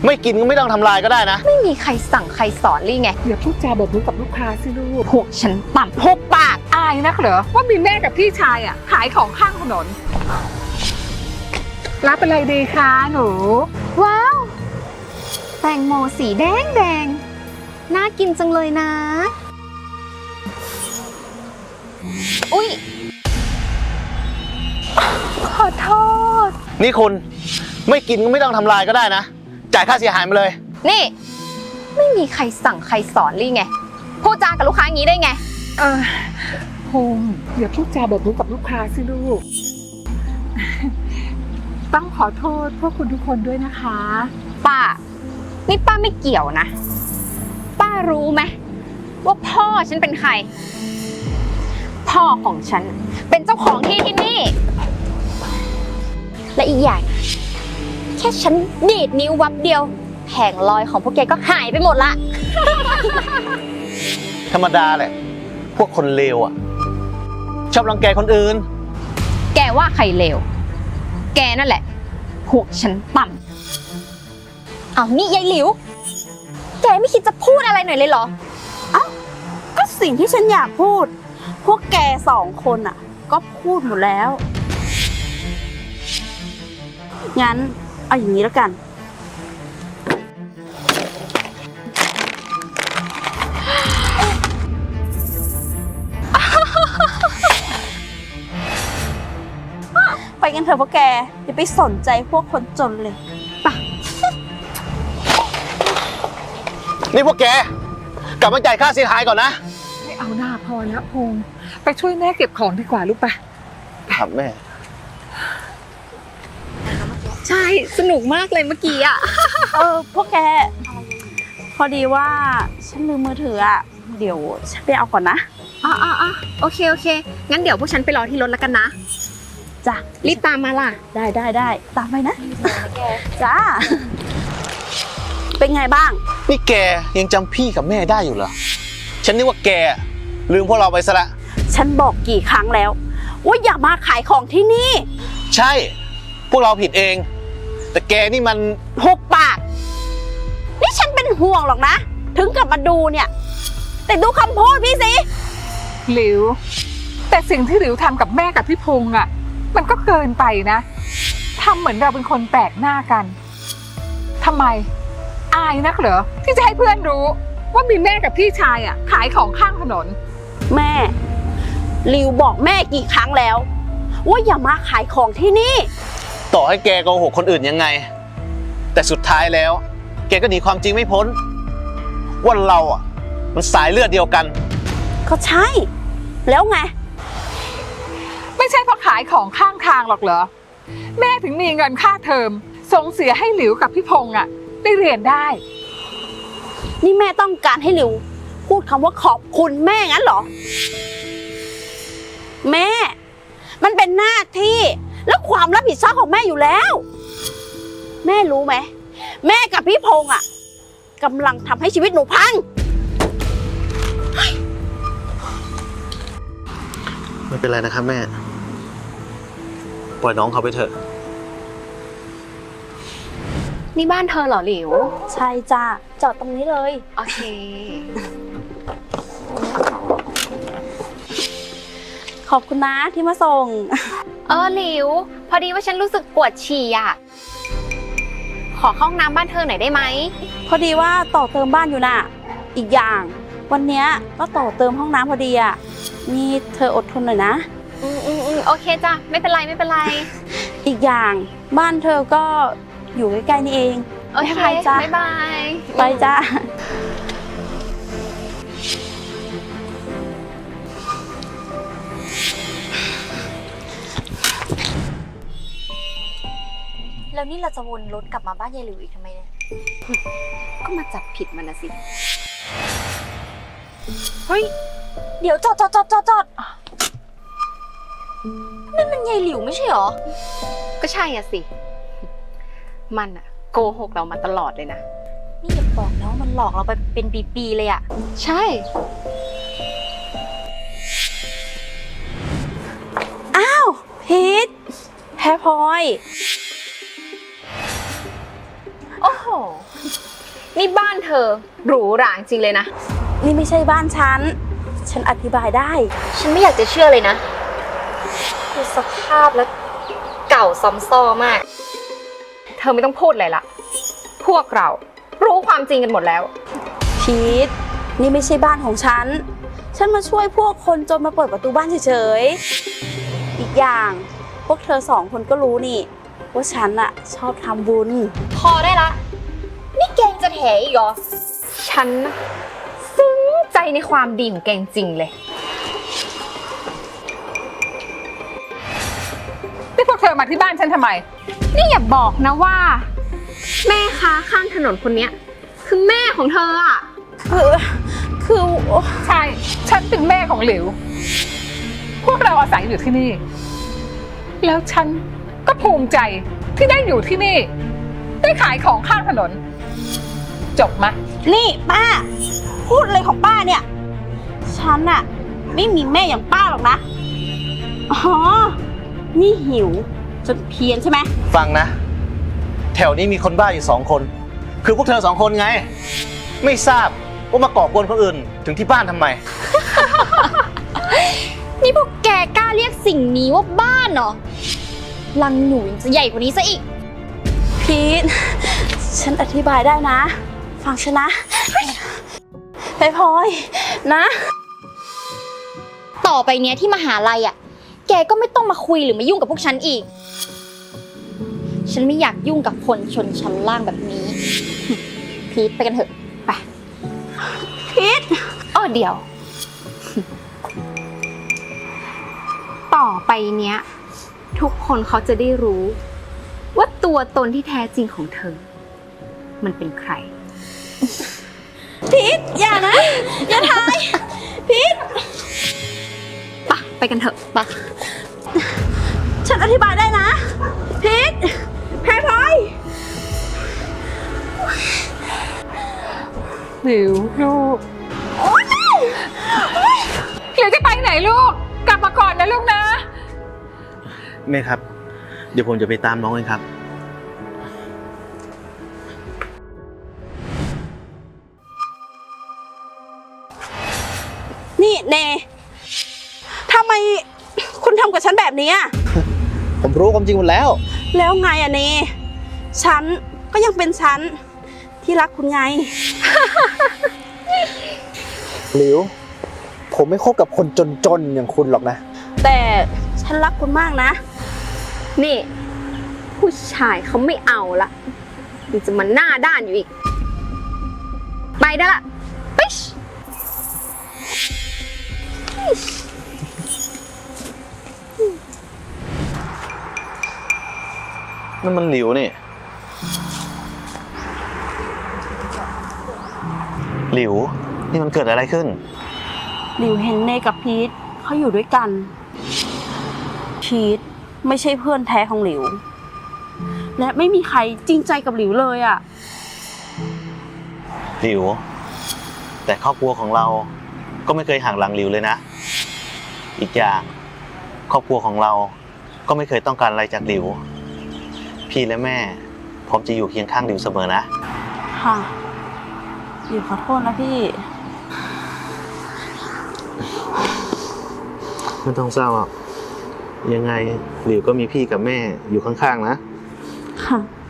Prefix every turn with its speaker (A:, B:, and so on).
A: ไม่กินก็ไม่ต้องทำลายก็ได้นะ
B: ไม่มีใครสั่งใครสอนลี่ไง
C: อย่าพูดจาแบบนี้กับลูกค้าสิลูก
B: พวกฉันต่ำพวกปาก
C: อายนักเหรอว่ามีแม่กับพี่ชายขายของข้างถนนรับอะไรดีคะหนู
B: ว้าวแตงโมสีแดงแดงน่ากินจังเลยนะอุ๊ยขอโทษ
A: นี่คุณไม่กินก็ไม่ต้องทำลายก็ได้นะจ่ายค่าเสียหายมาเลย
B: นี่ไม่มีใครสั่งใครสอนลี่ไงพูดจากับลูกค้าอย่างนี้ได้ไง
C: พงษ์อย่าพูดจาแบบนี้กับลูกค้าสิลูกต้องขอโทษพวกคุณทุกคนด้วยนะคะ
B: ป้านี่ป้าไม่เกี่ยวนะป้ารู้ไหมว่าพ่อฉันเป็นใครพ่อของฉันเป็นเจ้าของที่ที่นี่และอีกอย่างแค่ฉันดีดนิ้ววับเดียวแผงลอยของพวกแกก็หายไปหมดละ
A: ธรรมดาแหละพวกคนเลวชอบรังแกคนอื่น
B: แกว่าใครเลวแกนั่นแหละพวกฉันต่ำเอานี่ยายหลิวแกไม่คิดจะพูดอะไรหน่อยเลยเหรอ
D: เอ้าก็สิ่งที่ฉันอยากพูดพวกแก2 คนก็พูดหมดแล้วงั้นเอาอย่างนี้แล้วกันไปกันเถอะพวกแกอย่าไปสนใจพวกคนจนเลยไป
A: นี่พวกแกกลับมาจ่ายค่าเสียหายก่อนนะ
C: ไม่เอาหน้าพอแล้วพงษ์ไปช่วยแม่เก็บของดีกว่าลูกไป
A: ครับแม่
B: ใช่สนุกมากเลยเมื่อกี้
D: พวกแกพอดีว่าฉันลืมมือถือเดี๋ยวฉันไปเอาก่อนนะ
B: โอเคงั้นเดี๋ยวพวกฉันไปรอที่รถแล้วกันนะ
D: จ้ะ
B: รีบตามมาล่ะ
D: ได้ตามไปนะจ้าเป็นไงบ้าง
A: นี่แกยังจำพี่กับแม่ได้อยู่เหรอฉันนึกว่าแกลืมพวกเราไปซะละ
D: ฉันบอกกี่ครั้งแล้วว่าอย่ามาขายของที่นี่
A: ใช่พวกเราผิดเองแต่แกนี่มัน
D: หุบปากนี่ฉันเป็นห่วงหรอกนะถึงกลับมาดูเนี่ยแต่ดูคำพูดพี่สิ
C: หลิวแต่สิ่งที่หลิวทำกับแม่กับพี่พงษ์มันก็เกินไปนะทำเหมือนเราเป็นคนแปลกหน้ากันทำไมอายนักเหรอที่จะให้เพื่อนรู้ว่ามีแม่กับพี่ชายขายของข้างถนน
D: แม่หลิวบอกแม่กี่ครั้งแล้วว่าอย่ามาขายของที่นี่
A: ต่อให้แกโกหกคนอื่นยังไงแต่สุดท้ายแล้วแกก็หนีความจริงไม่พ้นว่าเรามันสายเลือดเดียวกัน
D: ก็ใช่แล้วไง
C: ไม่ใช่เพราะขายของข้างทางหรอกเหรอแม่ถึงมีเงินค่าเทอมส่งเสียให้หลิวกับพี่พงษ์ได้เรียนได้
D: นี่แม่ต้องการให้หลิวพูดคำว่าขอบคุณแม่งั้นเหรอแม่มันเป็นหน้าที่และความรับผิดชอบของแม่อยู่แล้วแม่รู้ไหมแม่กับพี่พงษ์กำลังทำให้ชีวิตหนูพัง
A: ไม่เป็นไรนะครับแม่ปล่อยน้องเขาไปเถอะ
B: นี่บ้านเธอเหรอหลิว
D: ใช่จ้าจอดตรงนี้เลย
B: โอเค
D: ขอบคุณนะที่มาส่ง
B: หลิวพอดีว่าฉันรู้สึกปวดฉี่ขอเข้าห้องน้ำบ้านเธอหน่อยได้ไหม
D: พอดีว่าต่อเติมบ้านอยู่น่ะอีกอย่างวันนี้ก็ต่อเติมห้องน้ำพอดีนี่เธออดทนหน่อยนะ
B: โอเคจ้ะไม่เป็นไร
D: อีกอย่างบ้านเธอก็อยู่ใกล้ๆนี่เอง
B: โอเคจ้ะบ๊ายบาย
D: ไปจ้า
B: แล้วนี่เราจะวนรถกลับมาบ้านยายหลิวอีกทำไมเนี่ยก็มาจับผิดมันนะสิ
D: เฮ้ยเดี๋ยวจอดนั่นมันยายหลิวไม่ใช่หรอ
B: ก็ใช่สิมันโกหกเรามาตลอดเลยนะ
D: นี่อย่าบอกนะว่ามันหลอกเราไปเป็นปีๆเลย
B: ใช่
D: อ้าวพีทแพ้พลอย
B: โอ้โห นี่บ้านเธอหรูหราจริงเลยนะ
D: นี่ไม่ใช่บ้านฉัน ฉันอธิบายได้
B: ฉันไม่อยากจะเชื่อเลยนะคือสภาพแล้วเก่าซ้ำซ้อมาก เธอไม่ต้องพูดอะไรละ พวกเรารู้ความจริงกันหมดแล้ว
D: พีทนี่ไม่ใช่บ้านของฉัน ฉันมาช่วยพวกคนจนมาเปิดประตูบ้านเฉยๆ อีกอย่างพวกเธอ2 คนก็รู้นี่ ว่าฉันอะชอบทำบุญ
B: พอได้ละ นี่แกงจะแถอีกเหรอ ฉันนะซึ้งใจในความดีของแกงจริงเลย
C: นี่พวกเธอมาที่บ้านฉันทำไม
B: นี่อย่าบอกนะว่า แม่ค้าข้างถนนคนเนี้ยคือแม่ของเธออะ
D: คือ
C: ใช่ ฉันเป็นแม่ของหลิว พวกเราอาศัยอยู่ที่นี่ แล้วฉันก็ภูมิใจที่ได้อยู่ที่นี่ ได้ขายของข้างถนน จบไหม
D: นี่ป้า พูดอะไรของป้าเนี่ย ฉันอะไม่มีแม่อย่างป้าหรอกนะ อ๋อ นี่หิวจนเพี้ยนใช่ไหม
A: ฟังนะ แถวนี้มีคนบ้าอยู่2 คน คือพวกเธอ2 คนไง ไม่ทราบว่ามาก่อกวนคนอื่นถึงที่บ้านทำไม
B: นี่พวกแกกล้าเรียกสิ่งนี้ว่าบ้านเหรอ ลังหนูยังจะใหญ่กว่านี้ซะอีก
D: พีทฉันอธิบายได้นะ ฟังฉันนะไปพลอยนะ
B: ต่อไปเนี้ยที่มหาลัยอ่ะ แกก็ไม่ต้องมาคุยหรือมายุ่งกับพวกฉันอีก ฉันไม่อยากยุ่งกับคนชนชั้นล่างแบบนี้ พีทไปกันเถอะ ไป
D: พีท
B: อ้อเดี๋ยว ต่อไปเนี้ย ทุกคนเขาจะได้รู้ ว่าตัวตนที่แท้จริงของเธอ มันเป็นใคร
D: พีทอย่านะ อย่าทายพีท
B: ไปกันเถอะไป
D: ฉันอธิบายได้นะพีทแพรพลอย
C: หลิวลูกหลิวจะไปไหนลูก กลับมาก่อนนะลูกนะ
A: แม่ครับ เดี๋ยวผมจะไปตามน้องเองครับ
D: นี่เนทำไมคุณทำกับฉันแบบนี้อะ
A: ผมรู้ความจริงหมดแล้ว
D: แล้วไงอะเนฉันก็ยังเป็นฉันที่รักคุณไง
A: หลิว ผมไม่คบกับคนจนๆอย่างคุณหรอกนะ
D: แต่ฉันรักคุณมากนะ
B: นี่ ผู้ชายเขาไม่เอาละมันจะมาหน้าด้านอยู่อีก ไปได้ละปิ๊ช
A: นั่นมันหลิวนี่ หลิว นี่มันเกิดอะไรขึ้น
D: หลิวเห็นเนกับพีทเขาอยู่ด้วยกัน พีทไม่ใช่เพื่อนแท้ของหลิว และไม่มีใครจริงใจกับหลิวเลยอะ
A: หลิว แต่ครอบครัวของเราก็ไม่เคยห่างหลังหลิวเลยนะ อีกอย่างครอบครัวของเราก็ไม่เคยต้องการอะไรจากหลิว พี่และแม่พร้อมจะอยู่เคียงข้างหลิวเสมอนะ
D: ค่ะหลิวขอโทษนะพี่
A: ไม่ต้องเศร้าหรอกยังไงหลิวก็มีพี่กับแม่อยู่ข้างๆนะ
D: ค่ะ